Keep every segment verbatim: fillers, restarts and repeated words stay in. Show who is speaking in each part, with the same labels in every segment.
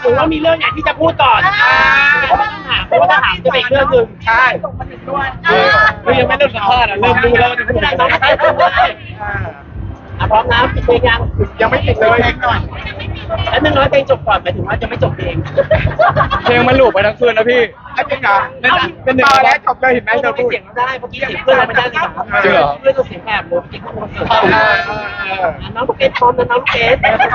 Speaker 1: รือว่ามีเรื่องไหนที่จะพูดก่อนเพราะว่าต้องถามเพราะว่าถ้าถามจะเป็นอีกเรื่องหนึ่งใช่คือยังไม่เริ่มสัมภาษณ์อ่ะเริ่มรู้แล้วจะพูดอะไรน้องไม่ได้พูดเลยอ่ะพร้อมนะปิดเพลงยังยังไม่ปิดเลยเพลงหน่อยแล้วนึงน้อยเพลงจบก่อนหมายถึงว่าจะไม่จบเพลง
Speaker 2: เพลงมันหลุดไปทั้งคืนนะพี่
Speaker 1: ไอ้เพลงอ่ะเป็นหนึ่งแล้วจบเลยเห็นไหมเธอพูดเสียงได้เมื่อกี้เสียงเพื่อนเราไม่ได้เลยจริงเหรอเพื่อนเราเสียงแหบเลยจริงเขาเสียงน้องลูกเอสพร้อมนะน้องลูกเอส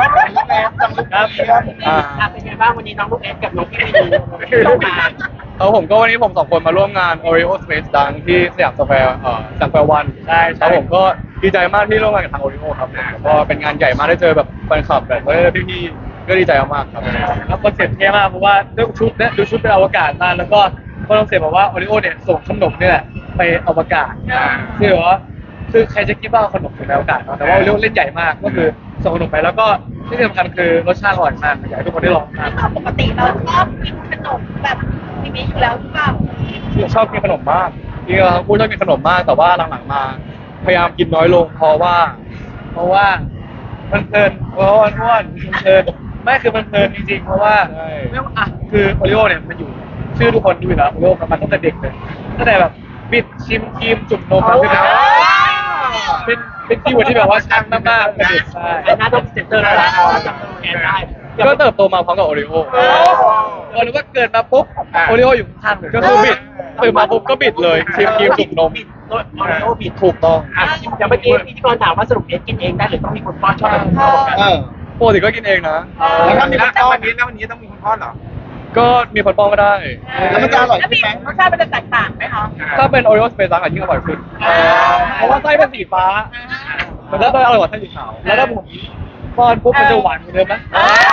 Speaker 1: ครับเป็นไงบ้างวันนี้น้องลูกเอสกับน้องพี่เข้ามา
Speaker 2: เอาผมก็วันนี้ผมสองคนมาร่วมงาน Oreo Space ดังที่สยามสแควร์เอ่อสยามสแควร์วันใช่ครับผมก็ดีใจมากที่ร่วมงานกับทาง Oreo ครับก็เป็นงานใหญ่มากได้เจอแบบแฟนคลับแบบพี่ๆก็ดีใจมากครับ
Speaker 3: แล้วคอนเซ็ปต์เท่มากเพราะว่าด้วยชุดเนี่ยดูชุดเป็นอวกาศมากแล้วก็คอนเซ็ปต์บอกว่า Oreo เนี่ยส่งขนมนี่แหละไปอวกาศคือแบบว่าคือใครจะคิดว่าขนมถึงไปอวกาศเนาะแต่ว่า Oreo เล่นใหญ่มากก็คือส่งขนมไปแล้วก็ที่สำคัญคือรสชาติอร่อยมากอยากให้ทุกคนได้ลองทาน
Speaker 4: ปกติเราชอบกินขนมแบบนี้อยู่แล้วหรือเปล่า
Speaker 2: ชอบกินขนมมากจริงๆพูดชอบกินขนมมากแต่ว่าหลังๆมาพยายามกินน้อยลงเพราะว่า
Speaker 3: เพราะว่ามันเพลินเพราะว่าอ้วนมันเพลินไม่คือมันเพลินจริงๆเพราะว่าไม่ว่าอ่ะคือโอริโอเนี่ยมันอยู่ชื่อทุกคนดูอยู่แล้วโอริโอมันตั้งแต่เด็กเลยตั้งแต่แบบบิดชิมครีมจุ่มนมมาคือแบบเป็นเป็นคีย์เวิร์ดที่แบบว่าชัดมากๆเป็นเด็กใช่
Speaker 1: หน้าต้องเซ็นเตอร์แล้วจำตัวแทนได้
Speaker 2: ก็เติบโตมาพร้อมกับโอริโอ
Speaker 3: ก็รู้ว่าเกิดมาปุ๊บโอริโออยู่ข้างๆ
Speaker 2: ก็คือบิดตื่นมาปุ๊บก็บิดเลยชิมครีมจุ่มนม
Speaker 1: บิดโอริโอบิด
Speaker 2: ถูกต้อง
Speaker 1: อย่างเมื่อกี้พิธีกรถามว่าสรุปเอสกินเองได้หรือต้องมีคนป้อนชอบกัน
Speaker 2: ปกติก็กินเองนะ
Speaker 1: แล้วถ้ามีคนป้อนวันนี้แล้ววันนี้ต้องมีคนป้อนเหรอ
Speaker 2: ก็มีคนป้อนก็ได้
Speaker 1: แล้วมันจะอร่อยขึ้นไหม
Speaker 4: รสชาติมันจะแตกต่างไหมคะ
Speaker 2: ถ้าเป็นโอริโอสเปซซังอาจยิ่งอร่อยขึ้นเพราะว่าไส้เป็นสีฟ้ามันก็อร่อยกว่าไส้สีขาวแล้วถ้าผมป้อนปุ๊บมันจะหวานเหมือนเดิมไหม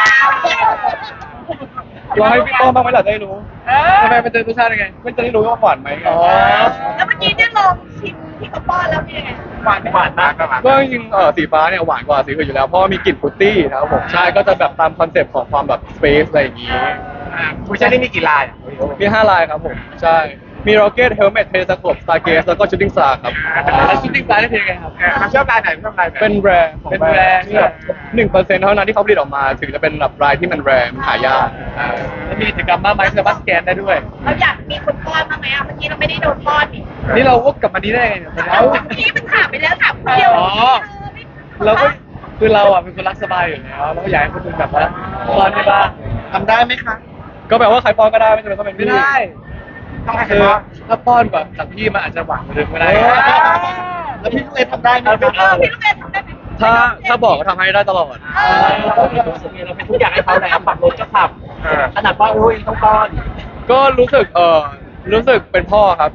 Speaker 2: ลองให้พี่ป้อนบ้างไหมล่ะได้รู้ทำไมมันจะรสชาติยังไงมันจะได้รู้ว่าหวานไหม
Speaker 4: อ๋อแล้วเมื่อกี้เนี่ยลองชิมที่เขาป้อนแล้วเป็นยังไง
Speaker 1: หวานหวานมาก
Speaker 2: ก็จริงๆเออสีฟ้าเนี่ยหวานกว่าสีอื่นอยู่แล้วเพราะมีกลิ่นฟรุตตี้นะครับผมใช่ก็จะแบบตามคอนเซ็ปต์ของความแบบสเปซอะไรอย่างงี้
Speaker 1: ผู้ชายนี่มีกี่ลาย
Speaker 2: มีห้าลายครับผมใช่มีร็อกเก็ตเฮลเมทเทเลสโคปสตาร์เกสแล้วก็ชูตติ้งสตาร์ครับ
Speaker 3: แล้วชูตติ้งสตาร์ได้เพลงไงครับ
Speaker 1: ชอบลายไหนชอบลายไหน
Speaker 2: เป็นแบรนด์
Speaker 3: เป็นแบรนด์
Speaker 2: ที่แบบหนึ่งเปอร์เซ็นต์เท่านั้นที่เขาผลิตออกมาถึงจะเป็นแบบรายที่มันแรร์มันหายาก
Speaker 3: แล้วมีกิจกรรมมากมายสามารถสแกนได้ด้วย
Speaker 4: เราอยากมีคนป้อนบ้างไหมอ่ะเมื่อกี้เราไม่ได้โดนป้อนนี่
Speaker 3: นี่เราวกกลับมานี้ได้ไงเนี่ย
Speaker 4: เมื่อกี้มันถามไปแล้วถามคนเดียว
Speaker 3: อ๋อเราก็คือเราอ่ะเป็นคนรักสบายอยู่แล้วเราก็อยากให้คนอื่นแบบว่าป้อนได้บ้าง
Speaker 1: ทำได้ไหมคะ
Speaker 2: ก็แปลว่าใครป้อนก็ได้ไม่จำเป็นต้องเป็น
Speaker 3: ไม่ได้
Speaker 1: ต้องให้ใคร
Speaker 3: ป้
Speaker 1: อน
Speaker 3: ถ้าป้อนแบบจากพี่มันอาจจะหวานกว่าเดิมก็ได้
Speaker 1: แล้วพี่ลูกเอทำได้ไหม
Speaker 4: พี่ลูกเอทำได้ไหม
Speaker 2: ถ้าถ้าบอกก็ทำให้ได้ตลอด
Speaker 1: เราเป็นทุกอย่างให้เขาแล้วปักรถก็ขับขนาดป้อนโอ้ยต้องป้อน
Speaker 2: ก็รู้สึกเออรู้สึกเป็นพ่อครับ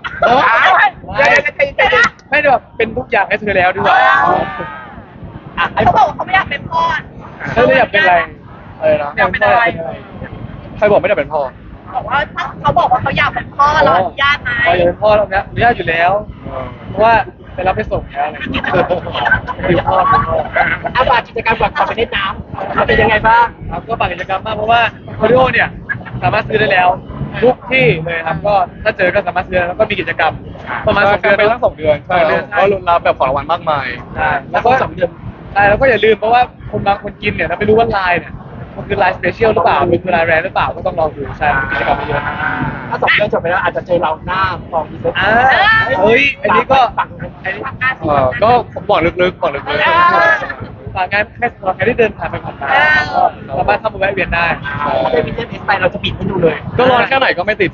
Speaker 3: ไม่ได้แบบเป็นทุกอย่างให้เธอแล้วดีกว่า
Speaker 4: เขาบอกเขาไม่อยากเป็นพ่อ
Speaker 2: เขาไม่อยากเป็นอะไรอะไรนะ
Speaker 4: อยากเป็นอะไร
Speaker 2: ใครบอกไม่ได้เป็นพ่อ
Speaker 4: บอกว่าเขาบอกว่าเขาอยากเป็นพ่อเราอนุญาตไหม
Speaker 3: เราอยากเป็นพ่อเราเนี้ยอนุญาตอยู่แล้วเพราะว่าไปรับไปส่งแล้วอะไรอยู่พ่อ
Speaker 1: อาบากิจกรรมแบบขับไปเล่นน้ำมันเป็นยังไงบ้าง
Speaker 3: ครับก็ฝากกิจกรรมมากเพราะว่าโอริโอเนี่ยสามารถซื้อได้แล้วทุกที่เลยครับก็ถ้าเจอก็สามารถซื้อแล้วก็มีกิจกรรมประมาณสองเดือน
Speaker 2: ไปทั้งสองเดือนใช่แล้วก็ลุ้นรับแบบของรางวัลมากมาย
Speaker 3: ใช่แล้วก็สองเดือนใช่แล้วก็อย่าลืมเพราะว่าคนบางคนกินเนี่ยเราไม่รู้ว่าลายเนี่ยมันคือลายสเปเชียลหรือเปล่ามันคือลายแรร์หรือเปล่าก็ต้องลองดูใช่กิจกรรมเยอะ
Speaker 1: ถ้าสองเดือนจบไปแล้วอาจจะเจอเราหน้าฟองดีเซล
Speaker 3: เฮ้ยอันนี้ก็
Speaker 2: ก็บอกลึกๆบอกลึก
Speaker 3: ๆฝากงานแค่สำหรับใครที่เดินผ่านไปผ่านมาสามารถเข้ามาแวะเวียนได้
Speaker 1: ถ้าเป็นวินเทจเอสไปเราจะปิดให้ดูเลย
Speaker 2: ก็ร้อนแค่ไหนก็ไม่ติด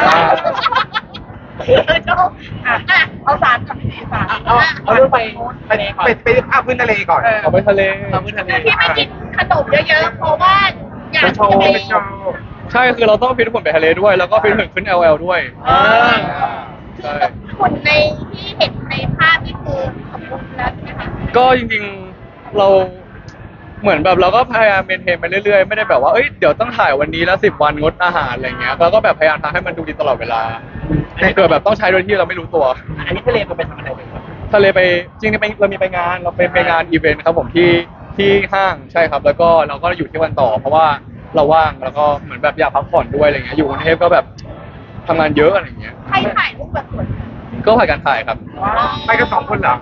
Speaker 4: เอาสารกับพี่สาร
Speaker 1: เอาเอาเรื่องไปทะเลก่อนไปภาพพื้นทะเลก่อน
Speaker 2: เอาไปทะเล
Speaker 3: ภาพพื้นทะเล
Speaker 4: ที่ไม่กินขนมเยอะๆเพราะว่าอยาก
Speaker 1: โชว์ไปโชว์
Speaker 2: ใช่คือเราต้องฟิตหุ่นไปทะเลด้วยแล้วก็ฟิตหุ่นขึ้น แอล แอล ด้วย
Speaker 4: ใช่หุ่นในที่เห็นในภาพนี่คือสมบูรณ์แล้วใช่ไหมคะ
Speaker 2: ก็จริงๆเราเหมือนแบบเราก็พยายามเมนเทนไปเรื่อยๆไม่ได้แบบว่าเอ้ยเดี๋ยวต้องถ่ายวันนี้แล้วสิบวันงดอาหารอะไรเงี้ยเราก็แบบพยายามทำให้มันดูดีตลอดเวลาเกิดแบบต้องใช้โดยที่เราไม่รู้ตัว
Speaker 1: อันนี้ทะเลมันไปทำอะไรไปครับ
Speaker 2: ทะเลไปจริงๆไปเรามีไปงานเราไปไปงานอีเวนต์ครับผมที่ที่ห้างใช่ครับแล้วก็เราก็อยู่ที่วันต่อเพราะว่าเราว่างแล้วก็เหมือนแบบอยากพักผ่อนด้วยอะไรเงี้ยอยู่กรุงเทพก็แบบทำงานเยอะอะไรเงี้ย
Speaker 4: ใครถ่ายรูปแบบสวย
Speaker 2: ก็ถ่ายการถ่ายครับ
Speaker 1: ไปกันสองคนเหรอ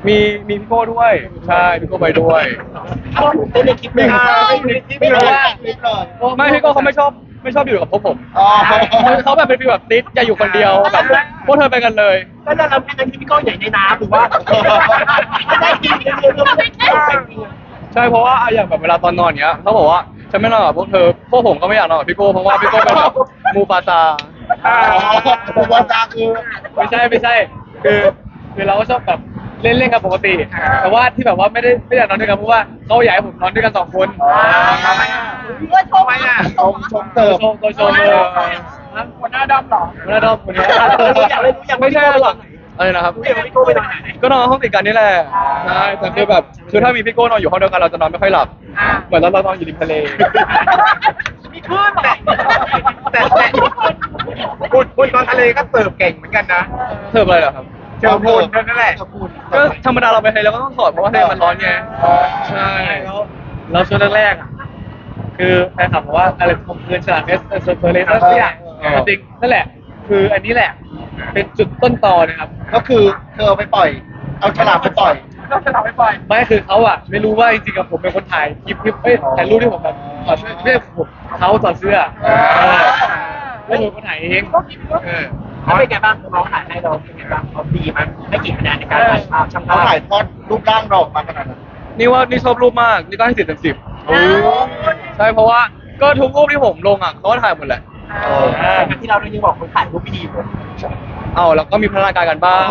Speaker 2: มีมีพี่โก้ด้วยใช่พี่โก้ไปด้วย
Speaker 1: เอาเต้นในคลิปเลย
Speaker 3: ไม่รู้ว่า
Speaker 2: ไม่พี่โก้เขาไม่ชอบไม่ชอบอยู่กับพวกผม
Speaker 5: อ๋อ
Speaker 2: เขาแบบเป็นฟีลแบบติดอย่าอยู่คนเดียวแบบพวกเธอไปกันเลย
Speaker 1: ก็จะทำเป็นที่พี่ก้องใหญ่ในน้ำหรือว่าไม่ได้จริงจริงจริงจริง
Speaker 2: ใช่เพราะว่าอะอย่างแบบเวลาตอนนอนเนี้ยเขาบอกว่าฉันไม่นอนกับพวกเธอพวกผมก็ไม่อยากนอนกับพี่โก้เพราะว่าพี่โก้เป็นแบบมูฟาซา
Speaker 5: อ๋อผมว่าตาคือ
Speaker 3: ไม่ใช่ไม่ใช่คือคือเราก็ชอบแบบเล่นเล่นกันปกติ แต่ว่าที่แบบว่าไม่ได้ไม่อยากนอนด้วยกันเพราะว่าเขาอยากให้ผมนอนด้วยกันสองคน
Speaker 4: เพื่อโชว์
Speaker 5: ชมชมเติม
Speaker 3: โชว์ตัวโชว์เลยคนหน้าดำหรอคนหน้าดำคนนี้
Speaker 1: อยากเล่นรู้อยาก
Speaker 2: ไม่ใช่หรอกอะไรนะครับ
Speaker 1: รู้อยากพี่โก้ไปนอนไหน
Speaker 2: ก็นอนห้องติดกันนี่แหละใช่แต่คือแบบคือถ้ามีพี่โก้นอนอยู่ห้องเดียวกันเราจะนอนไม่ค่อยหลับเหมือนตอนเรานอนอยู่ริมทะเล
Speaker 1: มีคลื่นแต่แต่แต่คุณคุณตอนทะเลก็เสิร์ฟเก่งเหมือนกันนะ
Speaker 2: เธออะไรเหรอครับ
Speaker 1: เจอพูนนั่นแหละ
Speaker 2: ก็ธรรมดาเราไปทะเลเราก็ต้องถอดเพราะว่าทะเลมันร้อนไงใช่
Speaker 3: แล้วแล้วช่วงแรกๆอ่ะคือแฟนคลับบอกว่าอะไรผมคืนฉลามเอสเอสเฟอร์เรสเซียจริงนั่นแหละ คืออันนี้แหละ เป็นจุดต้นตอนะครับ
Speaker 5: ก็คือเธอเอาไปปล่อย เอาฉลามไปปล่อย
Speaker 1: ต้องจะทำให้ปล่อย
Speaker 3: ไม่คือเขาอ่ะไม่รู้ว่าจริงๆกับผมเป็นคนถ่ายคลิปคลิปเอ้ยถ่ายรูปที่ผมแบบถอดเสื้อไม่ใช่ผมเขาถอดเสื้อเออแล้วผมก็ถ่ายเองเออ
Speaker 1: เขาเป็นไงบ้างน้องถ่ายให้เราเป็นไงบ้างเขาดีมั้ยไม่กี่คะแนนในการถ่ายภาพช่าง
Speaker 5: เขา
Speaker 1: ภาพ
Speaker 5: ถ่ายทอดรูปร่างเราออกมาขนาดนั้น
Speaker 2: นี่ว่านี่ชอบรูปมากนี่ก็ให้สิบเต็มสิบใช่เพราะว่าก็ทุกรูปที่ผมลงอ่ะเขาก็ถ่ายหมดแหละ
Speaker 1: ที่เรายังบอกคนถ่ายรูปไม่ดีผม
Speaker 2: เอาแล้วก็มีพัฒนาการกันบ้าง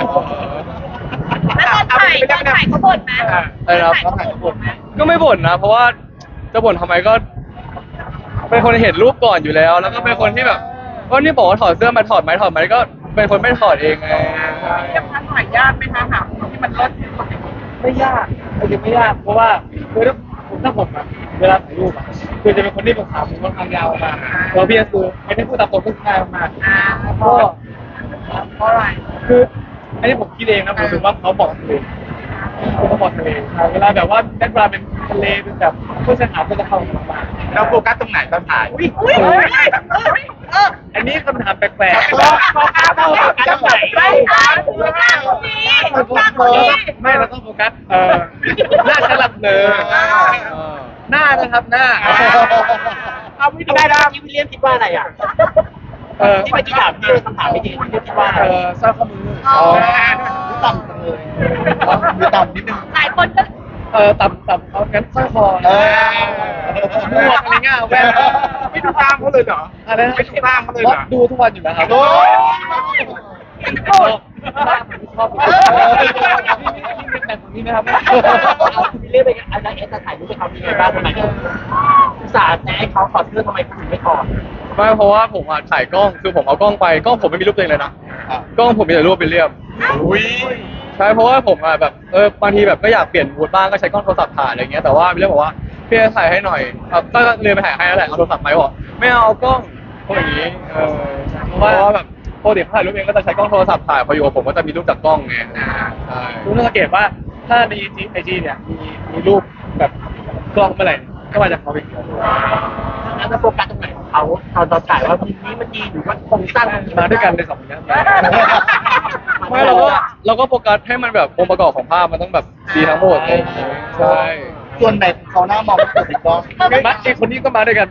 Speaker 4: แล้วตอนถ่ายตอนถ่ายเขาบ่นไหม
Speaker 2: อะไรนะครับ
Speaker 4: ตอนถ่ายเขาบ่นไหม
Speaker 2: ก็ไม่บ่นนะ เพราะว่าจะบ่นทำไมก็ เป็นคนเห็นรูปก่อนอยู่แล้ว แล้วก็เป็นคนที่แบบก็นี่บอกว่าถอดเสื้อมาถอดไหมถอดไหมก็เป็นคนไม่ถอดเองไง
Speaker 1: เรียกว่าถ่ายยากไหมคะหาที่มันเลิศที่สุด
Speaker 3: ไม่ยากจริงไม่ยากเพราะว่าคือถ้าผมถ้าผมอะเวลาถ่ายรูปอะคือจะเป็นคนที่ผมขาผมค่อนข้างยาวมากแล้วพี่คือไม่ได้พูดตามตรงก็ง่ายมาก
Speaker 4: อ่า
Speaker 3: ก็
Speaker 4: เพราะอะไร
Speaker 3: คืออันนี้ผมคิดเองนะผมรู้สึกว่าเขาบอกทะเลเขาบอกทะเลเวลาแบบว่าแบ็คกราวด์เป็นทะเลเป็นแบบเพื่อนสถานก็จะเข้ามา
Speaker 1: เราโฟกัสตรงไหนตอนถ่าย
Speaker 4: อุ้ยอุ้ยเออเออ
Speaker 3: อันนี้คำถามแปลก
Speaker 1: โฟกัสโฟกัสตรงไหน
Speaker 4: ไม่ใช่ถือหน้าคนนี้หน้าคนนี้
Speaker 3: ๆไม่เราต้องโฟกัสเออหน้าฉลับเลย หน้านะครับหน้า
Speaker 1: เอาไม่ได้นะที่วิลเลียมคิดว่าอะไรอ่ะ
Speaker 3: เออ
Speaker 1: ที่เมื่อกี้ถามพี่คำถามไม่ดีพี่คิดว่าอะไร
Speaker 3: เออสร้อยข้อมือ
Speaker 4: อ๋อ
Speaker 5: หรือต่ำจังเลยหรือต่ำนิดนึง
Speaker 4: หลายคนก็
Speaker 3: เออต่ำต่ำเอางั้นสร้อยคอ
Speaker 5: เออ
Speaker 3: หมวกอะไรเงี้ยแว่น
Speaker 1: ไม่ดูตามเขาเลยเหรอ
Speaker 3: อะไรนะ
Speaker 1: ไม่ดูตามเขาเลยเหรอ
Speaker 3: ดูทุกวันอยู่แล้วครับ
Speaker 5: โอ้ย
Speaker 3: ชอบชอบนี่เป็นแบบนี้ไหมครับ
Speaker 1: วิลเลียมเป็นอาจารย์เอสถ่ายรูปให้เขามีไงบ้างทำไมอุตส่าห์แนะให้เขาถอดเสื้อทำไมคุณถึงไม่ถอด
Speaker 2: ไม่เพราะว่าผมอ่ะถ่ายกล้องคือผมเอากล้องไปกล้องผมไม่มีรูปตัวเองเลยนะกล้องผมมีแต่รูปวิลเลียม
Speaker 1: อุ้ย
Speaker 2: ใช่เพราะว่าผมอ่ะแบบเออบางทีแบบก็อยากเปลี่ยนมูดบ้างก็ใช้กล้องโทรศัพท์ถ่ายอะไรเงี้ยแต่ว่าวิลเลียมบอกว่าพี่ถ่ายให้หน่อยครับก็เลยไปถ่ายให้แล้วแหละเอาโทรศัพท์ไปบอกไม่เอากล้องพวกอย่างนี้เออเพราะว่าแบบปกติเขาถ่ายรูปเองก็จะใช้กล้องโทรศัพท์ถ่ายพออยู่กับผมก็จะมีรูปจากกล้องไงใช่
Speaker 3: รู้สังเกตว่าถ้าในไอจีเนี่ยมีมีรูปแบบกล้องเมื่อไหร่ก็มาจากเขาเอง
Speaker 1: แล้วจะโฟกัสตรงไหนของเขาตอนตอนถ่ายว่ามุมนี้มันดีหรือว่าโครงสร้าง
Speaker 3: มาด้วยกันเลยสองคนนี้
Speaker 2: ไม่เราก็เราก็โฟกัสให้มันแบบองค์ประกอบของภาพมันต้องแบบดีทั้งหมดเลยใช่
Speaker 5: ส่วนไหนของเขาหน้ามองไม่เกิดติดกล้อง
Speaker 3: มาไอคนนี้ก็มาด้วยกัน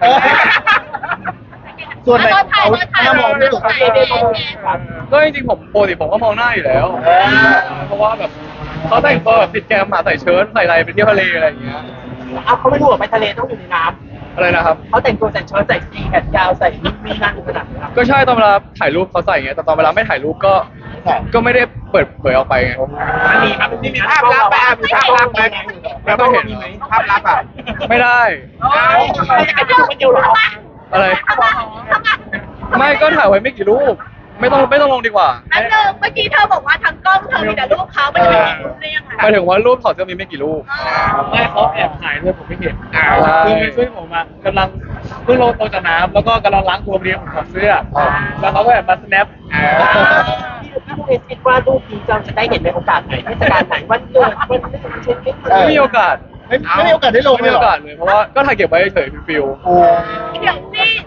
Speaker 5: ส่วนไหนของเขาหน้ามองไม่เกิดติดกล้อง
Speaker 2: ก็จริงๆผมปกติผมก็มองหน้าอยู่แล้ว
Speaker 5: เออ
Speaker 2: เพราะว่าแบบเขาแต่งตัวแบบติดแกมมาใส่เชิ้ตใส่อะไรไปเที่ยวทะเลอะไรอย่างเงี้ย
Speaker 1: เอาเขาไม่รู้ว่าไปทะเลต้องอยู่ในน้
Speaker 2: อะไรนะครับ
Speaker 1: ำเขาแต่งตัวใส่เชิ้ตใส่สีแขนยาวใส่นี่มีนั่นขนาดนั้น
Speaker 2: ก็ใช่ตอนเวลาถ่ายรูปเขาใส่ไงแต่ตอนเวลาไม่ถ่ายรูปก็ก็ไม่ได้เปิดเผยออกไปไง
Speaker 1: มันมีครับมีภาพลับไหมมีภาพลับไหมแล้วก็เห็นไหมภาพลับอ่ะ
Speaker 2: ไม่ได้
Speaker 1: ไอ้เจ้ามันอยู่หรอ
Speaker 2: อะไร ไม่ก็ถ่ายไว้ไม่กี่รูป ไม่ต้องไม่ต้องลงดีกว่า
Speaker 4: อันเดิมเมื่อกี้เธอบอกว่าทั้งกล้องเธอมีแต่รูปเขาไม่ได้มีรูปได้ยังไง
Speaker 2: หมายถึงว่ารูปถอดเสื้อมีไม่กี่รูป
Speaker 3: ไม่เขาแอบถ่ายด้วยผมไม่เห็น
Speaker 2: อ่า
Speaker 3: คือไปช่วยผมมากำลังเพิ่งลงโตจากน้ำแล้วก็กำลังล้างตัวเรียงผมถอดเสื้อแล้วเขาก็แบบมาสแนป
Speaker 1: พี่ผู้เอคิดว่ารูปนี้เราจะได้เห็นในโอกาสไหนเทศกาลไหนวันเกิดวันเช่น
Speaker 2: ไม่มีโอกาส
Speaker 5: ไม่ไม่มีโอกาสได้ลง
Speaker 2: ไม่
Speaker 5: เล
Speaker 2: มี
Speaker 5: ยเหร
Speaker 2: โอ
Speaker 5: อ
Speaker 2: กาสเลยเพราะว่าก็ถ่ายเก็บไว้เฉยๆฟิล
Speaker 5: โอ้
Speaker 4: เดี๋ยวสิ
Speaker 2: ๆ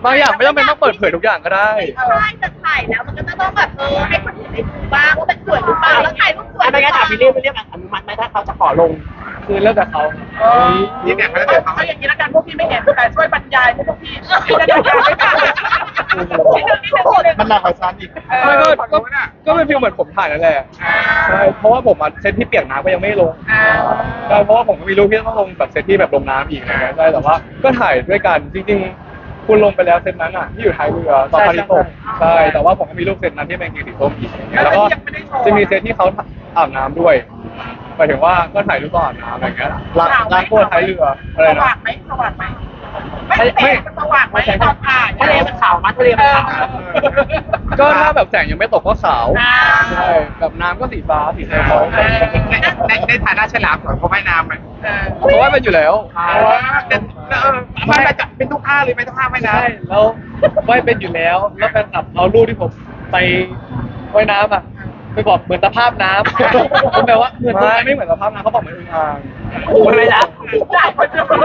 Speaker 2: บางอย่างไม่จำเป็นต้องเปิดเผยทุกอย่างก็ได้
Speaker 4: ใช่จะถ่ายแล้วมันก็จะต้องแบบเออให้คนอื่นได้ดูบ้างว่ามันสวยหรือเปล่าแล้วถ่ายรูปสวย
Speaker 1: ไม่งั้นถามพี่เรียกพี่เรียกอนุมัติไหมถ้าเขาจะขอลง
Speaker 3: คือเลิกกับเขา
Speaker 5: นี่เนี่ยเขาจะเดิน
Speaker 6: เอาอย่างนี้ละกันพวกพี่ไม่เห็นแต่ช่วยบรรยายให้พวกพี่พี่จะได้ไม่ได้นิดนึงนิดนึงนิดนึง
Speaker 5: มันหนักกว่าฉันอีก
Speaker 2: ไม่ก็ก็ก็เป็นฟีลเหมือนผมถ่ายนั่นแหละใช่เพราะว่าผมอะเซตที่เปียกน้ำก็ยังไม่ลงใช่เพราะว่าผมก็มีรูปที่ต้องลงแบบเซตที่แบบลงน้ำอีกอะไรเงี้ยใช่แต่ว่าก็ถ่ายด้วยกันจริงๆคุณลงไปแล้วเซตนั้นอ่ะที่อยู่ท้ายเรือตอนพาริโตกใช่แต่ว่าผมก็มีรูปเซตนั้นที่เป็นกีสีส้มอีกอย่างเงี้ยแล้วก็จะมีเซตที่เขาอาบน้ำด้วยหมายถึงว่าก็ถ่ายรูปตอนอาบน้ำอะไรเงี้ยล้างล้างตัวท้ายเรืออะไร
Speaker 6: ส
Speaker 2: นะ
Speaker 6: ว่างไหมสว่างไหมไม่ไม่สว่างไหมตอนถ่าย
Speaker 1: ทะเลมันขาวมั้ยทะเลมันขาว
Speaker 2: ก็ถ้าแบบแสงยังไม่ตกก็ขาวใช่แบบน้ำก็สีฟ้าสีเทา
Speaker 5: ในในในฐานะฉลามสอนเขาว่ายน้ำไหม
Speaker 2: เพราะว่าเป็นอยู่แล้ว
Speaker 5: ไม่จะเป็นทุกท่าเลยไม่ต้องท่าว่ายน้
Speaker 3: ใช่แล้วว่ายเป็นอยู่แล้วแล้วแฟนคลับเอารูปที่ผมไปว่ายน้ำอ่ะไปบอกเหมือนตะภาพน้ำผมแบบว่าเหมือน
Speaker 2: ไม่ไม่เหมือนสภาพนะเขาบอกเหมือนอึ่งอ่าง
Speaker 1: โอ้ยนะ
Speaker 6: จ่ายคนเดียว
Speaker 4: ตัว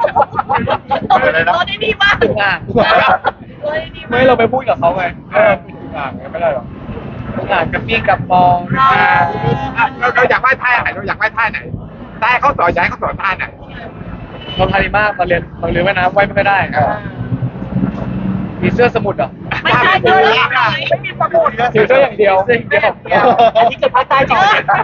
Speaker 4: ได้ดีมาก
Speaker 3: อึ่งอ่าง
Speaker 4: ตัวได้ดีมาก
Speaker 2: ไม่เราไปพูดกับเขาไงเออเป็นอึ่งอ่างไงไม่ได้หรอก
Speaker 3: อึ่งอ่างกับปี้กับปอง
Speaker 5: ำเราเราอยากว่ายท่าไหนเราอยากว่ายท่าไหนได้เขาสอนอยากให้เขาสอนท่าไหน
Speaker 3: เราทาริมากตอนเรียนตอนเรียนว่ายน้ำว่ายไม่ค่อยได้มีเสื้อสมุดเหรอ
Speaker 4: ไม่ใช่เลย
Speaker 6: ไม่มีสมุด
Speaker 2: ถือเสื้ออย่างเดียว
Speaker 3: เสื้ออย่างเดียว
Speaker 1: อันนี้เกิดภาคใต้จริง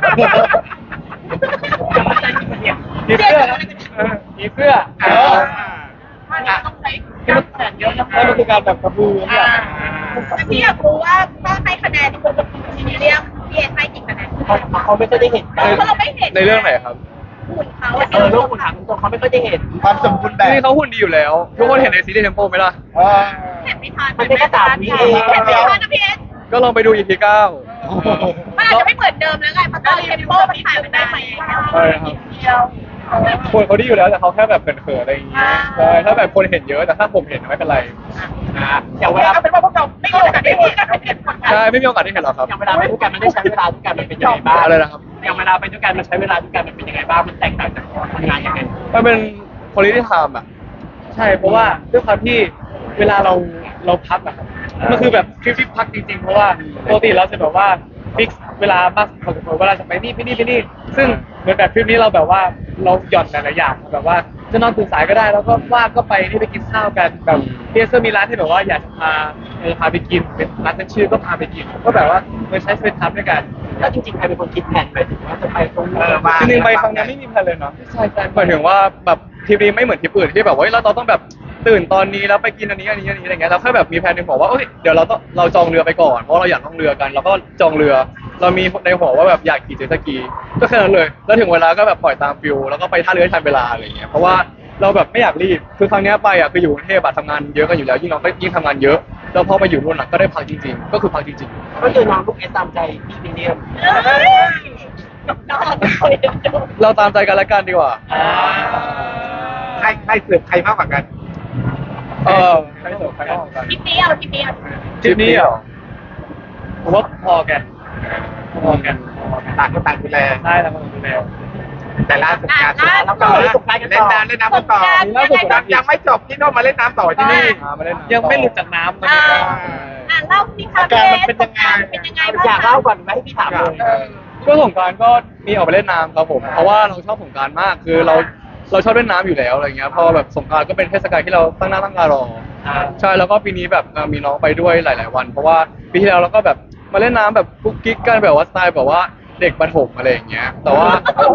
Speaker 3: มีเสื้อเออมีเสื้อ
Speaker 4: ไม่ต้องใช้
Speaker 3: ที่มันแสนเยอะนะแล้วมันคือการแบบกระพือเนี่ย
Speaker 4: แต่พี่อยากรู้ว่าถ้าให้คะแนนคุณซีเรียมพี่เอให้กี่คะแนน
Speaker 1: เขาไม่ค่อยได้เห็น
Speaker 4: เพราะเราไม่เห็น
Speaker 2: ในเรื่องไหนครับ
Speaker 4: หุ่นเขา
Speaker 1: เออโลกคุณถามตรงเขาไม่ค่อยได้เห็น
Speaker 5: ความสมบูรณ์แบบ
Speaker 2: นี่เขาหุ่นดีอยู่แล้ว ทุกคนเห็นในซีรีส์เทมโปไหมล่ะ
Speaker 4: เห็นไม่ทัน
Speaker 1: มันเป็นแค่สามวิเอง
Speaker 4: เห็นไม่ทันนะพี่เอ
Speaker 2: ก็ลองไปดู อี พี เก้า
Speaker 4: มันอาจจะไม่เหมือนเดิมแล้วไงเพราะตอนเทมโปมันถ่ายมันได้ไหม
Speaker 2: ใช่ครับคนเขาดีอยู่แล้วแต่เขาแค่แบบเขินๆอะไรอย่างเงี้ยใช่ถ้าแบบคนเห็นเยอะแต่ถ้าผมเห็นไม่เป็นไร
Speaker 1: อย่างเว
Speaker 6: เว
Speaker 1: ลา
Speaker 6: ลาเป็นว่าพวกเราไม่มีโอกาสได้เห็นกันเห็นผลงาน
Speaker 2: ใช่ไม่มีโอกาสได้เห็นหรอกครับ
Speaker 1: อย่างเวลาไปด้วยกันมันได้ใช้เวลาด้วยกันมันเป็นยังไงบ้าง
Speaker 2: อะไรนะครับ
Speaker 1: อย่างเวลาไปด้วยกันมันใช้เวลาด้วยกันมันเป็นยังไงบ้างมันแตกต่างจากทำงานยังไง
Speaker 2: มันเป็น quality time อ่ะ
Speaker 3: ใช่เพราะว่าด้วยความที่เวลาเราเราพักอะครับมันคือแบบทริปที่พักจริงๆเพราะว่าปกติเราจะแบบว่าฟิกเวลามากพอสมควรเวลาจะไปนี่ไปนี่ไปนี่ซึ่งเหมือนแบบทริปนี้เราแบบว่าเราหย่อนหลายๆอย่างแบบว่าจะนอนตื่นสายก็ได้แล้วก็ว่างก็ไปนี่ไปกินข้าวกันแบบพีเอสมีร้านที่แบบว่าอยากจะพาอยากจะพาไปกินเป็นร้านเป็นชื่อก็พาไปกินก็แบบว่าเหมือนใช้สเปนทัมด้วยกัน
Speaker 1: แล้วจริงๆใครเป็นคนคิดแผนไปถึงว่าจะไปตรงนี้
Speaker 5: เออมา
Speaker 2: จริงๆไปครั้งนี้ไม่มีแพลนเลยเนาะ
Speaker 3: ใช่ใช่
Speaker 2: หมายถึงว่าแบบทริปนี้ไม่เหมือนทริปอื่นที่แบบว่าเฮ้ยเราต้องแบบตื่นตอนนี้แล้วไปกินอันนี้อันนี้อันนี้อะไรเงี้ยเราแค่แบบมีแผนในหัวว่าเอ้ยเดี๋ยวเราต้องเราจองเรือไปก่อนเพราะเราอยากล่องเรือกันเราก็จองเรือ เรามีในหัวว่าแบบอยากขี่เจ็ตสกีก็แค่นั้นเลยแล้วถึงเวลาก็แบบปล่อยตามฟิลแล้วก็ไปท่าเรือให้ทันเวลาอะไรเงี้ยเพราะว่าเราแบบไม่อยากรีบคือครั้งนี้ไปอ่ะคืออยู่กรุงเทพอะทำงานเยอะกันอยู่แล้วยิ่งเราก็ยิ่งทำงานเยอะแล้วพอมาอยู่นู่นอะก็ได้พักจริงๆก็คือพักจริงๆ
Speaker 1: ก็คือน้องลูกเอสตามใจพี่วิลเลียม
Speaker 4: นอนคอยดู
Speaker 2: เราตามใจกันและกันดีกว่า
Speaker 5: ใครใครเสือกใครมากกว่ากัน
Speaker 2: เออใครสนใครก็กัน
Speaker 4: คลิปนี้เอาคลิปนี้เอา
Speaker 2: ทริปนี้เหรอ
Speaker 3: ผมว่าพอกันพอกัน
Speaker 5: ต่างคนต่างดูแล
Speaker 3: ใช่แล้วมันดูแล
Speaker 5: แต่ล่าสุดงาน
Speaker 1: แล้วก็เล่นสงกรานต์กัน
Speaker 5: เล่
Speaker 1: ต่
Speaker 5: น
Speaker 1: อ
Speaker 5: น้ำเล่นน้ำกันต่อยังไม่จบที่โน่นมาเล่นน้ำต่อที่นี่
Speaker 2: มาไม่ได้นะ
Speaker 3: ยังไม่หลุดจากน้ำมัน
Speaker 4: อ่าอ่าเล่าสิคะเป็นยังไงเป็นยังไงบ้าง
Speaker 1: อยากเล่าก่อนไหมให้พี่ถามเลย
Speaker 2: ก็สงกรารก็มีออกไปเล่นน้ำครับผม เพราะว่าเราชอบสงกรารมาก คือเราเราชอบเล่นน้ำอยู่แล้วอะไรเงี้ย พอแบบสงกรารก็เป็นเทศกาลที่เราตั้งหน้าตั้งตารอ ใช่ แล้วก็ปีนี้แบบเอ่อมีน้องไปด้วยหลาย ๆ วัน เพราะว่าปีที่แล้วเราก็แบบมาเล่นน้ำแบบกุ๊กกิ๊กกันแบบว่าสไตล์แบบว่าเด็กประถมอะไรอย่างเงี้ย แต่ว่า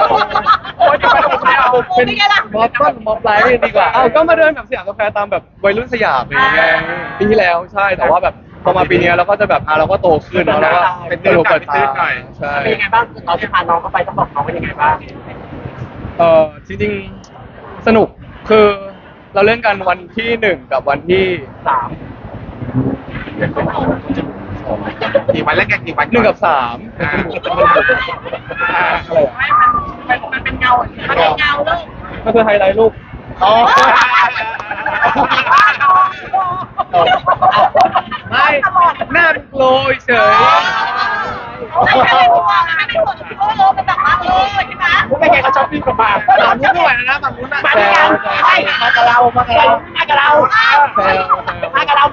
Speaker 4: เป็นไงล่ะ
Speaker 3: มอต้นมอปลายเรียนดีกว่า
Speaker 2: อ้าวก็มาเดินแบบสยามสแควร์ตามแบบวัยรุ่นสยามอะไรอย่างเงี้ยปีที่แล้วใช่ แต่ว่าแบบพอมาปีนี้เราก็จะแบบอ่ะเราก็โตขึ้นแล้วเราก็เป็นตัวเปิดตาใช่
Speaker 1: เป็นยังไงบ้างตอนที่พาน้องเข้าไปต้องบอกน้องว่ายังไงบ้าง
Speaker 2: เออจริงๆสนุกคือเราเล่นกันวันที่หนึ่งกับวันที่
Speaker 1: สาม
Speaker 5: กี่วันแล้วกันกี่วัน
Speaker 2: หนึ่งกับสาม
Speaker 5: อ่า
Speaker 2: อ่าอะไรอ่ะ
Speaker 6: ไม่มันมันเป็นเงาอย่างนี้
Speaker 4: มันเป็นเงาลูก
Speaker 2: ก็คือไฮไลท์รูป
Speaker 5: อ๋อ
Speaker 3: ไม่หน้าโกลยเฉย
Speaker 4: ไม่ใช่หัวไม่ใช่หัวโอ้โหมันแบบว่าเออใช่ไหม
Speaker 1: ไม่ไงเขาชอบพี่กับมา
Speaker 3: ฝั่งนู้นด้วยนะฝั่งนู้นนะ
Speaker 1: มาด้วยกันใช่มากับเรามากับเรามากับเรามากับเรา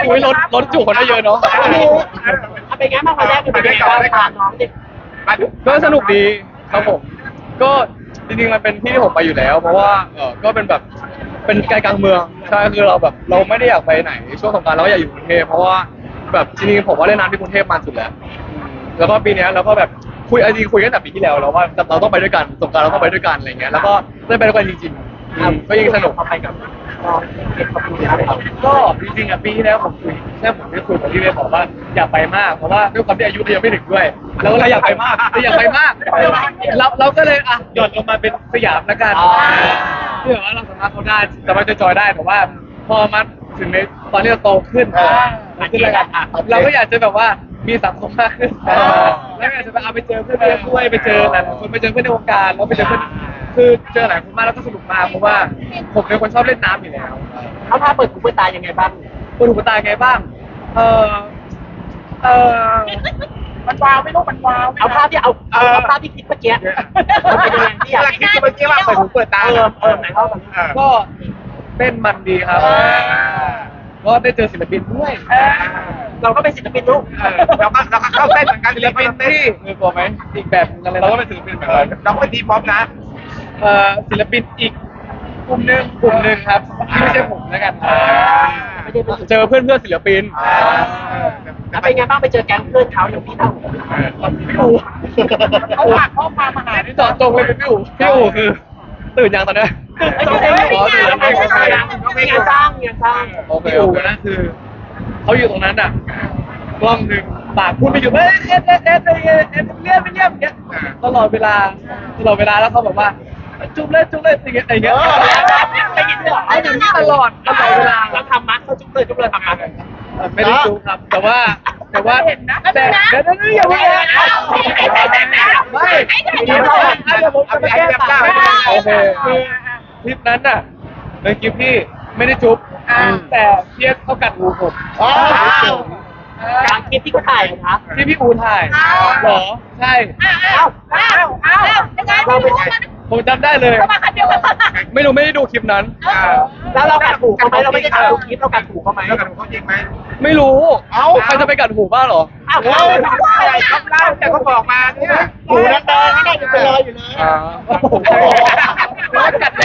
Speaker 2: อุ้ยรถรถจุคนได้เยอะเนาะ
Speaker 1: เอาไปงั้นมาวันแรกเป็นยังไงบ้างถามน้องดิ
Speaker 2: ก็สนุกดีครับผม ก็จริงๆมันเป็นที่ที่ผมไปอยู่แล้ว เพราะว่าเออก็เป็นแบบเป็นไกลกลางเมืองใช่คือเราแบบเราไม่ได้อยากไปไหนช่วงสงกรานต์เราก็อยากอยู่กรุงเทพเพราะว่าแบบจริงๆผมว่าเล่นน้ำที่กรุงเทพมาสุดแล้วอืมแล้วก็ปีเนี้ยเราก็แบบคุยจริงๆคุยกันแต่ปีที่แล้วแล้วว่าเราต้องไปด้วยกันสงกรานต์เราต้องไปด้วยกันอะไรเงี้ยแล้วก็ได้ไปด้วยกันจริงๆอืมก็ยิ่งสนุก
Speaker 1: เอาไปกับน้องเก็บกับคุณแล้วครับ
Speaker 3: ก็จริงๆอ่ะปีที่แล้วผมคุยแค่ผมได้คุยกับพี่เวย์บอกว่าอยากไปมากเพราะว่าด้วยความที่อายุเรายังไม่ถึงด้วยเราก็เลยอยากไปมากเราอยากไปมากเราเราก็เลยอ่ะหย่อนลงมาเป็นสยามละกันเพื่อว่าเราสามารถเข้าได้สามารถจะจอยได้แต่ว่าพอมาถึงในตอนที่เราโตขึ้นเราขึ้นแล้วกันเราก็อยากจะแบบว่ามีสังคมมากขึ้นแล้วอยากจะไปเอาไปเจอเพื่อนด้วยไปเจอหลายคนไปเจอเพื่อนในวงการแล้วไปเจอเพื่อนคือเจอหลายคนมากแล้วก็สนุกมากเพราะว่าผมเป็นคนชอบเล่นน้ำอยู่แล้ว
Speaker 1: เขาพาเปิดหูเปิดตายังไงบ้าง
Speaker 3: เปิดหูเปิดตาไงบ้าง เออเออ
Speaker 6: มันว้าวไม่รู้มันว้าว
Speaker 1: เอาภาพที่เอาเอาเอาภาพที่คิดเมื่อกี้มันเป็นยังไงที่อยาก
Speaker 5: กำลังคิดอยู่เมื่อกี้ว่าเปิดหูเปิดตา
Speaker 1: เออเออไหนเล่ากัน
Speaker 5: เออ
Speaker 3: ก็เต้นมันดีครับ ก็ได้เจอศิลปินด้วย
Speaker 1: เราก็เป็นศิลปินลูก
Speaker 5: เออเราก็เราก็เข้าเต้นเหมือนกัน
Speaker 3: ศิลปินที่มือตัวไหมอีกแบบนึงอะไรเราก็เป็นศิลปินเหมือนกัน
Speaker 5: เราก็เป็นทีมพร้อมนะ
Speaker 3: เอ่อศิลปินอีกกลุ่มหนึ่งกลุ่มหนึ่งครับที่ไม่ใช่ผมแล้วกัน
Speaker 1: ไม่ได้เป็น
Speaker 2: เจอเพื่อนเพื่อนๆศิลปิน
Speaker 1: แล้วเป็นไงบ้างไปเจอแก๊งเพื่อนเขาอย่างพี่เท่าพี่อู
Speaker 6: เขาฝากข้อความมาหา
Speaker 3: นี่เจอดจงเลยเป็นพี่อู๋พี่อู๋คือตื่นยังตอนเนี้ย
Speaker 1: อ๋อตื่นแล้วไม่ใช่งานสร้างงานสร้าง
Speaker 2: โอเค
Speaker 3: พี่
Speaker 2: โอ
Speaker 3: อู๋
Speaker 2: เค
Speaker 3: นะคือเขาอยู่ตรงนั้นอ่ะกล้องหนึ่งปากพูดไม่หยุดเอ้ยเอ็ดเอ็ดเอ็ดเอ็ดเอ็ดเอ็ดเลี่ยมเลี่ยมอย่างเงี้ยตลอดเวลาตลอดเวลาแล้วเขาบอกว่าจุ๊บเลยจุ๊บเลยอย่างเงี้ยอย่างเงี้ย
Speaker 1: ได้ยินด้วยเหรอ
Speaker 3: ไอ้อย่างนี้ตลอดตลอดเวลา
Speaker 1: เราทำมัดเขาจุ๊บเลยจุ๊บเลยทำมัด
Speaker 3: ไม่ได้จุ๊บครับ แต่ว่าแต่ว่า
Speaker 6: เห็นนะ
Speaker 3: แต่เดี๋ยวเดี๋ยวอย่าเพิ่งไม่เดี๋ยวเราเดี๋ยวผมจะไปแก้ต่างโอเคคือคลิปนั้นน่ะในคลิปที่ไม่ได้จุ๊บแต่เพียสเขากัดหูผม
Speaker 1: การคลิปที่เขาถ่ายนะ
Speaker 3: ที่พี่อูถ่ายเหรอใช่
Speaker 4: อ้าวอ้าวอ้าวยังไงไม่รู้มัน
Speaker 3: ผมจำได้เลย
Speaker 4: เขามาคันเดียวกัน
Speaker 2: ไม่รู้ไม่ได้ดูคลิปนั้น
Speaker 1: แล้วเรากัดหูเขาไหมเราไม่ได้ถ่ายคลิปเรากัดหูเขาไหม
Speaker 5: แล้วกันเขาจริงไหม
Speaker 2: ไม่รู้ เอ้าใครจะไปกัดหูบ้าเหรอ
Speaker 1: อ้าว
Speaker 5: เราอะไรครับเล่าแต่เขาบอกมาเนี่ย
Speaker 1: หูนั่นเดินนั่นยังเป็นรอยอยู่เลย
Speaker 2: อ่า
Speaker 3: โอ้โหร้อนกัดแรง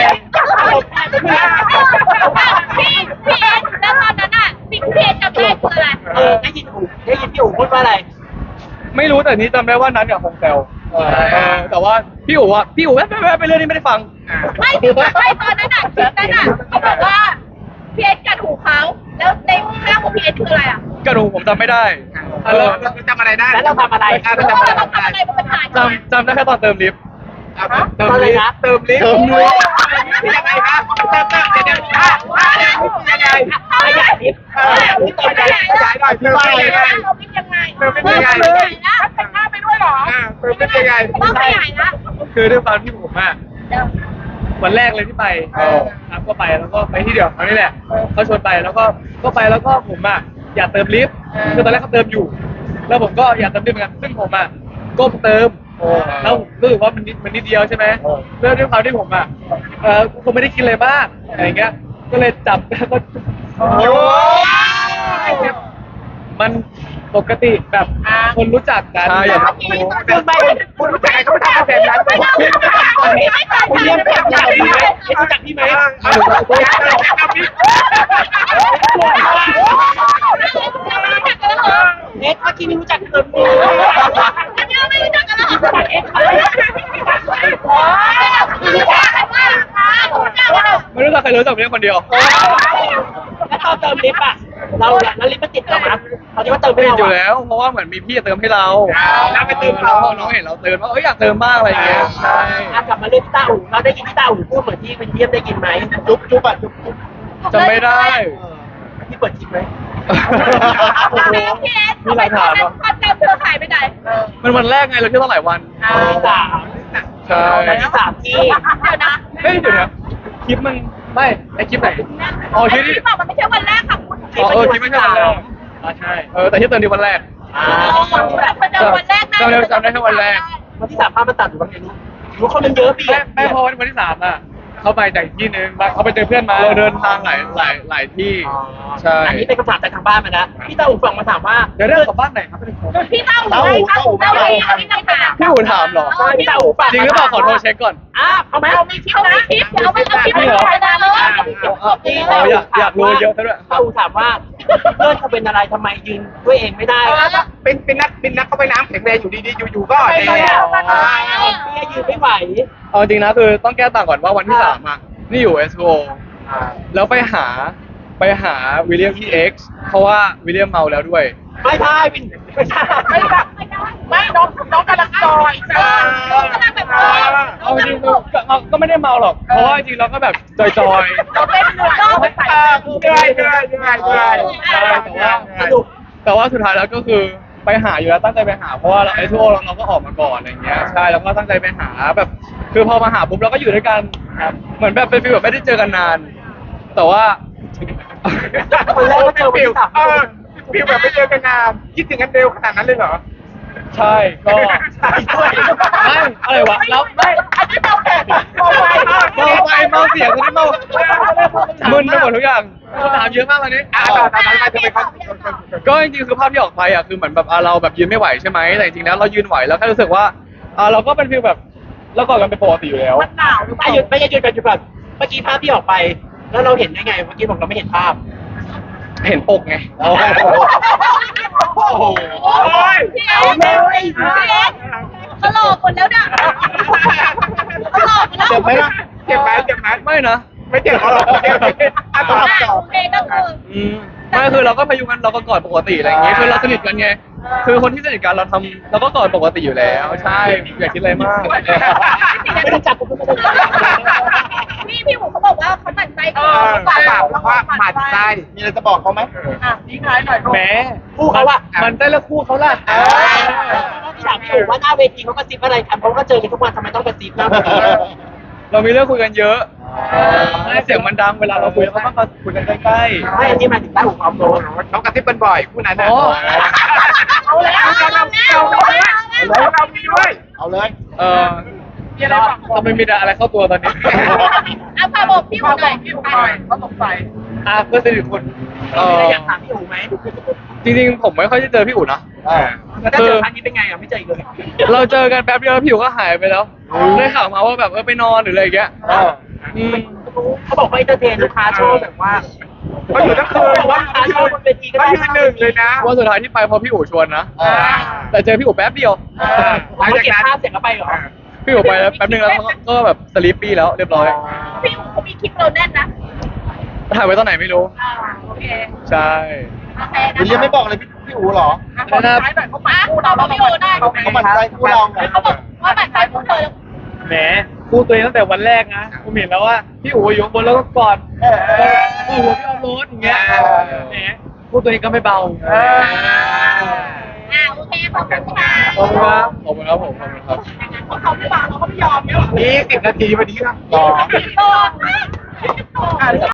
Speaker 4: พี่พี่เอ็นแล้วตอนนั้นอ่ะสิ่งที่พี่เอ็นจำได้คืออะไร
Speaker 1: เออได้ยินหูได้ยินพี่อู๋พูดว่าอะไร
Speaker 2: ไม่รู้แต่นี้จำได้ว่านั้นกับคงแซวเออแต่ว่าพี่อู๋อะพี่อู๋แว๊บแว๊บไปเรื่องนี้ไม่ได้ฟัง
Speaker 4: ไม่ไม่ตอนนั้นอ่ะคลิปนั้นอ่ะเขาบอกว่าพี่เอ็นกัดหูเขาแล้วในข้างของพี่เอ็นคืออะไรอ่ะ
Speaker 2: กัดหูผมจำไม่ได้
Speaker 5: เออเราจำอะไรได้
Speaker 1: แล้วเราทำอะไร
Speaker 5: เรา
Speaker 4: เรา
Speaker 5: จำอะไร
Speaker 4: ต้องทำ
Speaker 5: ได้
Speaker 4: อะไรบนปัญหา
Speaker 2: จำจำได้แค่ตอนเติมลิฟต์
Speaker 5: เติมลิฟต์เติมลิฟต์
Speaker 2: เติมลิฟต์
Speaker 5: ยังไงครับเติมเติมเดี๋ยวเดี๋ยวอ่ะอ่ะยังไง
Speaker 1: ขยายนิด
Speaker 5: เออนี่เติมขยายขยายหน่อยเติมเป็นยังไง
Speaker 4: เราเป็นยังไง
Speaker 5: เติมเป็นยังไง
Speaker 4: นะ
Speaker 6: แต่งหน้าไปด้วยเหรอ
Speaker 5: อ่าเติมเป็นยังไง
Speaker 4: ต้องขยายนะ
Speaker 3: คือด้วยความที่ผมอะวันแรกเลยที่ไปครับก็ไปแล้วก็ไปที่เดียวเขานี่แหละเขาชวนไปแล้วก็ก็ไปแล้วก็ผมอะอยากเติมลิฟต์คือตอนแรกเขาเติมอยู่ แล้วผมก็อยากเติมลิฟต์เหมือนกันซึ่งผมอะก้มเติมแล้วรู้สึกว่ามันนิดมันนิดเดียวใช่ไหมแล้วด้วยความที่ผมอะเออคงไม่ได้คิดอะไรมากอะไรเงี้ยก็เลยจับแล้วก็
Speaker 5: โอ้ย
Speaker 3: มันปกติแบบคนรู้จักกัน
Speaker 2: ใช่อย่าง
Speaker 1: พูดไป
Speaker 5: คุณรู้จักใครก็ไม่ทำแบบนั้น
Speaker 4: ไม่ต้องไม่ต้อง
Speaker 1: คุณเรียนแบบจากพี่ไหมรู้จักพี่ไหม
Speaker 5: ไม่รู้จักพี่
Speaker 1: เอ็กซ์เมื่อกี้ไม่รู้จักเติมมือ
Speaker 4: ไม่รู้จักกันหรอ
Speaker 1: เอ็กซ์
Speaker 2: ไม่รู้จักใครรู้จักเพียงคนเดียว
Speaker 1: แล้วตอนเติมลิฟต์อ่ะเราแล้วลิฟต์มันติดเรานะเขาคิดว่าเติมไม่
Speaker 2: ติด
Speaker 1: เรา
Speaker 2: อยู่แล้ว เพราะว่าเหมือนมีพี่เติมให้เรา
Speaker 5: แล้วไปเติม
Speaker 2: แล้
Speaker 5: เรา
Speaker 2: วน้องเห็นเราเติมว่าเอ้ยอยากเติมบ้างอะไรอย่างเงี้ยใช่
Speaker 1: อ่ะกลับมาเรื่องพี่ต้าอู๋เราได้ยินพี่ต้าอู๋พูดเหมือนที่เป็นเยี่ยมได้ยินไหมจุ๊บจุ๊บอ่ะจุ๊บจุ๊บ
Speaker 2: จำไม่ได้
Speaker 1: พี่เปิดคลิปไหม
Speaker 4: พี่เอสทำไมตอนนั้นความจำเธอหายไปไหน
Speaker 2: มันวันแรกไงเราเที่ยวตั้งหลายวัน
Speaker 1: ที่สาม
Speaker 2: ใช่
Speaker 1: วันที่สามที่
Speaker 4: เดี๋ยวนะ
Speaker 2: เฮ้ยเดี๋ยวนะคลิปมันไม่ไอคลิปไหนอ๋อ
Speaker 4: ไอ้
Speaker 2: ที่
Speaker 4: ที่
Speaker 2: ที่
Speaker 4: บอกมันไม่ใช่วันแรกค่ะคุณ
Speaker 2: อ๋อเออคลิปไม่ใช่วันแรก
Speaker 3: อ่าใช่
Speaker 2: เออแต่ที่เติมที่วันแรก
Speaker 1: อ่า
Speaker 4: แต่คนเดิมวันแรก
Speaker 2: จำได้จำได้แค่วันแรก
Speaker 1: วันที่สามภาพมันตัดหรือว่าไงรู้รู้คนมันเยอะพี่
Speaker 3: ไม่ไม่พอวันที่สามอ่ะเขาไปจากอีกที่นึงเขาไปเจอเพื่อนมา
Speaker 2: เราเดินทางหลายหลายหลายที่ใช่
Speaker 1: อันนี้เป็นคำถามจากทางบ้านมานะพี่ตาอูฝั่งมาถามว่า
Speaker 3: เดี๋ยวเรื่องกับบ้านไหนครับเป็นคน
Speaker 4: พี่เต้าหูไงเต้าหูเต้าหูพี่เต้าหู
Speaker 2: พี่อู๋ถามเหรอ
Speaker 1: พี่ตาอูฝาก
Speaker 2: จริงหรือเปล่าขอโทรเช็คก่อน
Speaker 1: อ่ะเอาไหม
Speaker 4: เอามีคลิปนะคลิปเดี๋ยวเอาไปเอาคลิปไปถ่ายมาเลย
Speaker 2: อ๋ออยากอยากรู้เยอะซะด้วย
Speaker 1: ตาอูถามว่าเพื่อนเขาเป็นอะไรทำไมยืนด้วยเองไม่ได้
Speaker 5: เป็นเป็นนักเป็นนักเข้าไปน้ำแข็งแรงอยู่ดีๆอยู่ๆก็
Speaker 1: ไม่
Speaker 5: แด
Speaker 1: ได้
Speaker 5: ง
Speaker 1: พี่ยืนไม่ไหว
Speaker 2: เอาจริงนะคือต้องแก้ต่างก่อนว่าวันที่สามอ่ะนี่อยู่ เอส โอ แล้วไปหาไปหาวิลเลียมที่ X เพราะว่าวิลเลียมเมาแล้วด้วย
Speaker 1: ไม่ใช่วินไม่ใช่
Speaker 6: ไม่แบบไม่น้องน้องกำลังจอยจ้า
Speaker 4: กำลังแบบ
Speaker 2: เอาจริงๆก็ก็ก็ไม่ได้เมาหรอก เพราะว่าจริงๆเราก็แบบจอย
Speaker 6: เราเต้นเหนื่อยเราไม่ใส่
Speaker 5: เออเหนื่อยเหนื่อยเหนื่อยเหนื่อย
Speaker 2: ๆใช่แต่ว่า
Speaker 1: สนุก
Speaker 2: แต่ว่าสุดท้ายแล้วก็คือไปหาอยู่แล้วตั้งใจไปหาเพราะว่าเราไอทูโอเราเราก็ออกมาก่อนอะไรเงี้ยใช่แล้วก็ตั้งใจไปหาแบบ คือพอมาหาปุ๊บเราก็อยู่ด้วยกันครับเหมือนแบบเป็นฟีลแบบไม่ได้เจอกันนาน แต่ว่า
Speaker 1: คนแรกก็เจอวัน
Speaker 5: ฟิว
Speaker 1: ที่สาม
Speaker 5: เออฟิวแบบไม่เจอกันนานคิดถึงกันเร็วขนาดนั้นเลยเหรอ
Speaker 2: ใช่ก็
Speaker 1: ใช่ด้วย
Speaker 2: ไม่อะไรวะแล้ว
Speaker 6: ไม่อันนี้เมาแขกเมาไป
Speaker 2: เมาไปเมาเสียงคนนี้เมามึนไปหมดทุกอย่างคำถามเยอะมากวันนี้
Speaker 5: อ่าตอนนั้นมาทำไมเขา
Speaker 2: ก็จริงๆคือภาพที่ออกไปอ่ะคือเหมือนแบบอ่ะเราแบบยืนไม่ไหวใช่ไหมแต่จริงๆแล้วเรายืนไหวแล้วแค่รู้สึกว่าอ่ะเราก็เป็นฟีลแบบเรากอดกันเป็นปกติอยู่แล้ว
Speaker 6: มันหนาวหรือเป
Speaker 1: ไม่
Speaker 6: ล่า
Speaker 1: หยุดไม่หยุดกันหยุดก่อนเมื่อกี้ภาพที่ออกไป แล้วเราเห็นได้ไงเมื่อกี้บอกเราไม่เห็นภาพ
Speaker 2: เห็นปกไง
Speaker 1: โอ้โห
Speaker 5: โอ้โห
Speaker 4: พี่เอ็กพี่เอ็กตลกหมดแล้วเนี่ยตลกแล้ว
Speaker 5: เจ็บไหมล่ะเจ็บไหมเจ็บไหม
Speaker 2: ไม่นะ
Speaker 5: ไม่เจ็บหรอกเจ็บอ่ะต่อต่อ
Speaker 4: โอเคก็คือ
Speaker 2: อืมไม่คือเราก็พยุงกันเราก็กอดปกติอะไรอย่างเงี้ยคือเราสนิทกันไงคือคนที่สนิทกันเราทำเราก็กอดปกติอยู่แล้วใช่อย่าคิดอะไรมาก
Speaker 1: ไม่ได้จับผมไม่ได้จับ
Speaker 4: พี่พี่หมูเขาบอกว่าเขาหมั่นใจ
Speaker 5: เออปากบอกว่าหมัดไส้มีอะไรจะบอกเขาไหม
Speaker 6: อ่ะทิ้งท้ายหน่อย
Speaker 2: แหม
Speaker 1: คู่เขาอะ
Speaker 2: มันได้แล้วคู่เขาล่ะ
Speaker 5: เออ
Speaker 1: ถามพี่อู๋ว่าหน้าเวทีเขากระซิบอะไรกันเพราะก็เจอกันทุกวันทำไมต้องกระซิบหน้าเวที
Speaker 2: เรามีเรื่องคุยกันเยอะให้เสียงมันดังเวลาเราคุยเราก็ต้องมาคุยกันใกล้
Speaker 1: ไม่อันนี้หมายถึงต้าหูความโดน
Speaker 5: เขากระซิบกันบ่อยคู่นั้นนะ
Speaker 2: อ๋อ
Speaker 5: เอาแล้วเราเราเราเรามีด้วย เอาเลย
Speaker 2: ๆเออทำไมมีแต่อะไรเข้าตัวตอนนี้
Speaker 4: เอาพาบอกพี่หมู
Speaker 6: เขา
Speaker 4: หน่อย
Speaker 6: พี่ผมหน่อยเขาสงสัย
Speaker 2: อ่ะเพื่อนสนิทคนเอ
Speaker 1: มี
Speaker 2: อ
Speaker 1: อะไรอยากถามพี่อู๋ไหม
Speaker 2: จริงๆผมไม่ค่อยได้เจอพี่อู๋นะ
Speaker 1: แล้วถ้าเจอครั้งนี้เป็นไงอ่ะไม่เจออีกเลย
Speaker 2: เราเจอกันแป๊บเดียวพี่อู๋ก็หายไปแล้วได้ข่าวมาว่าแบบเออไปนอนหรืออะไรอย่างเงี้ยอืม
Speaker 1: เขาบอกว่าเอนเตอร์เทนลูกค้าโชว์แบบว่า
Speaker 5: เขาอยู่ทั้งคืน
Speaker 1: ว่าลูกค้าโชว์บนเวทีก็
Speaker 5: เขา
Speaker 1: ได้
Speaker 5: ยืนหนึ่งเลยนะ
Speaker 2: วันสุดท้ายที่ไปเพราะพี่อู๋ชวนนะ แต่เจอพี่อู๋แป๊บเดียว
Speaker 1: หลังจากเก็บภาพเสร็จแล้วไปเหรอ
Speaker 2: พี่อู๋ไปแล้วแป๊บนึงแล้วเขาก็ก็แบบสลีปปี้แล้วเรียบร้อย
Speaker 4: พี่หมูเขามีคลิปเราแน่นนะ
Speaker 2: ถ่ายไว้ตอนไหนไม่รู้
Speaker 4: อ่าโอเค
Speaker 2: ใช่
Speaker 4: โอเค
Speaker 5: วิลเลียมไม่บอกเลยพี่พี่อู๋หรอ
Speaker 6: อ่ะขอท้ายหน่อยเขา
Speaker 4: อ่ะ
Speaker 6: พูด
Speaker 4: ตอบพี่โอได้
Speaker 5: เขาหมั่นใจคู่เราไง
Speaker 4: เขาบอกว่าหมั่นใจพวกเธอ
Speaker 3: แหมคู่ตัวเองตั้งแต่วันแรกนะผมเห็นแล้วว่าพี่อู๋อยู่ข้างบนแล้วก็กอดโอ้โหพี่ออฟโรดอย่างเงี้ยแหมคู่ตัวเองก็ไม่เบา
Speaker 4: อ่าโอเคขอบคุณค่ะ
Speaker 2: ขอบคุณครับขอบคุณครับผมขอบคุณครับ
Speaker 4: เพราะเขาไม่วางเราก็ไม่ยอมเนี่ย
Speaker 5: นี่สิบนาทีพอดีครับ
Speaker 4: โดน